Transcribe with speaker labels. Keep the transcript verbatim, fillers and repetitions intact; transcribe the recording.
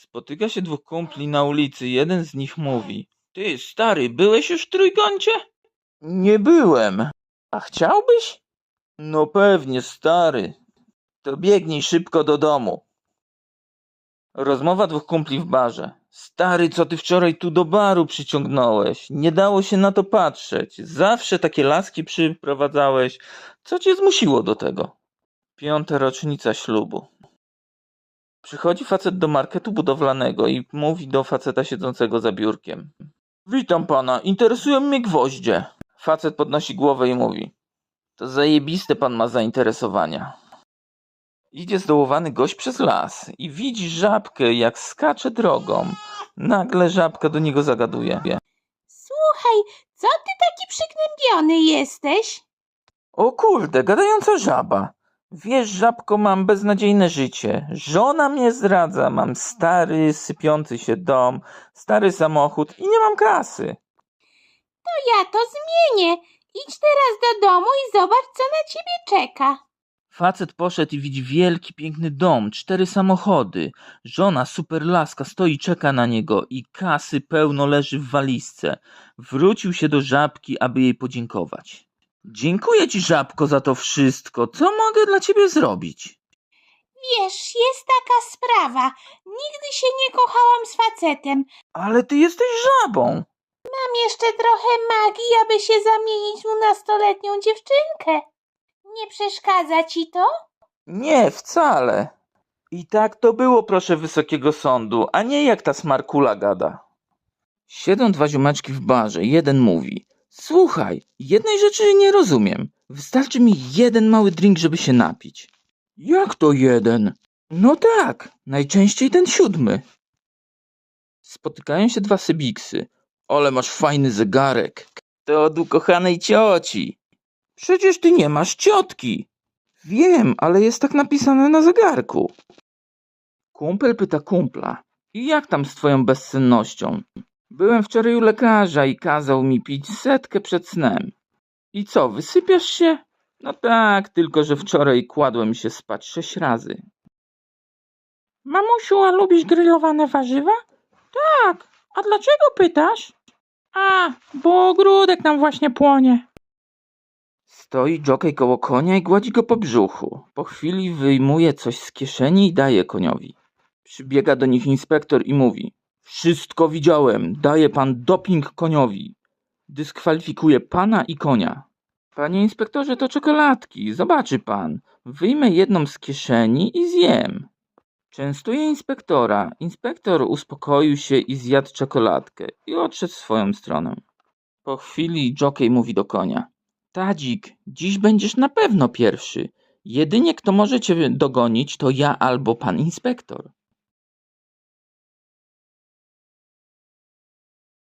Speaker 1: Spotyka się dwóch kumpli na ulicy. Jeden z nich mówi: Ty, stary, byłeś już w trójkącie? Nie byłem. A chciałbyś? No pewnie, stary. To biegnij szybko do domu. Rozmowa dwóch kumpli w barze. Stary, co ty wczoraj tu do baru przyciągnąłeś? Nie dało się na to patrzeć. Zawsze takie laski przyprowadzałeś. Co cię zmusiło do tego? Piąta rocznica ślubu. Przychodzi facet do marketu budowlanego i mówi do faceta siedzącego za biurkiem: Witam pana, interesują mnie gwoździe. Facet podnosi głowę i mówi: To zajebiste pan ma zainteresowania. Idzie zdołowany gość przez las i widzi żabkę, jak skacze drogą. Nagle żabka do niego zagaduje:
Speaker 2: Słuchaj, co ty taki przygnębiony jesteś?
Speaker 1: O kurde, gadająca żaba. Wiesz, żabko, mam beznadziejne życie. Żona mnie zdradza, mam stary, sypiący się dom, stary samochód i nie mam kasy.
Speaker 2: To ja to zmienię. Idź teraz do domu i zobacz, co na ciebie czeka.
Speaker 1: Facet poszedł i widzi wielki, piękny dom, cztery samochody. Żona, super laska, stoi, czeka na niego i kasy pełno leży w walizce. Wrócił się do żabki, aby jej podziękować. Dziękuję ci, żabko, za to wszystko. Co mogę dla ciebie zrobić?
Speaker 2: Wiesz, jest taka sprawa. Nigdy się nie kochałam z facetem.
Speaker 1: Ale ty jesteś żabą.
Speaker 2: Mam jeszcze trochę magii, aby się zamienić mu na stoletnią dziewczynkę. Nie przeszkadza ci to?
Speaker 1: Nie, wcale. I tak to było, proszę wysokiego sądu, a nie jak ta smarkula gada. Siedzą dwa ziomeczki w barze. Jeden mówi: Słuchaj, jednej rzeczy nie rozumiem. Wystarczy mi jeden mały drink, żeby się napić. Jak to jeden? No tak, najczęściej ten siódmy. Spotykają się dwa sybiksy. Ale masz fajny zegarek. To od ukochanej cioci. Przecież ty nie masz ciotki. Wiem, ale jest tak napisane na zegarku. Kumpel pyta kumpla: I jak tam z twoją bezsennością? Byłem wczoraj u lekarza i kazał mi pić setkę przed snem. I co, wysypiasz się? No tak, tylko że wczoraj kładłem się spać sześć razy.
Speaker 2: Mamusiu, a lubisz grillowane warzywa? Tak. A dlaczego pytasz? A, bo ogródek nam właśnie płonie.
Speaker 1: Stoi dżokej koło konia i gładzi go po brzuchu. Po chwili wyjmuje coś z kieszeni i daje koniowi. Przybiega do nich inspektor i mówi: Wszystko widziałem, daje pan doping koniowi. Dyskwalifikuje pana i konia. Panie inspektorze, to czekoladki, zobaczy pan. Wyjmę jedną z kieszeni i zjem. Częstuje inspektora. Inspektor uspokoił się i zjadł czekoladkę i odszedł w swoją stronę. Po chwili dżokej mówi do konia: Tadzik, dziś będziesz na pewno pierwszy. Jedynie kto może cię dogonić, to ja albo pan inspektor.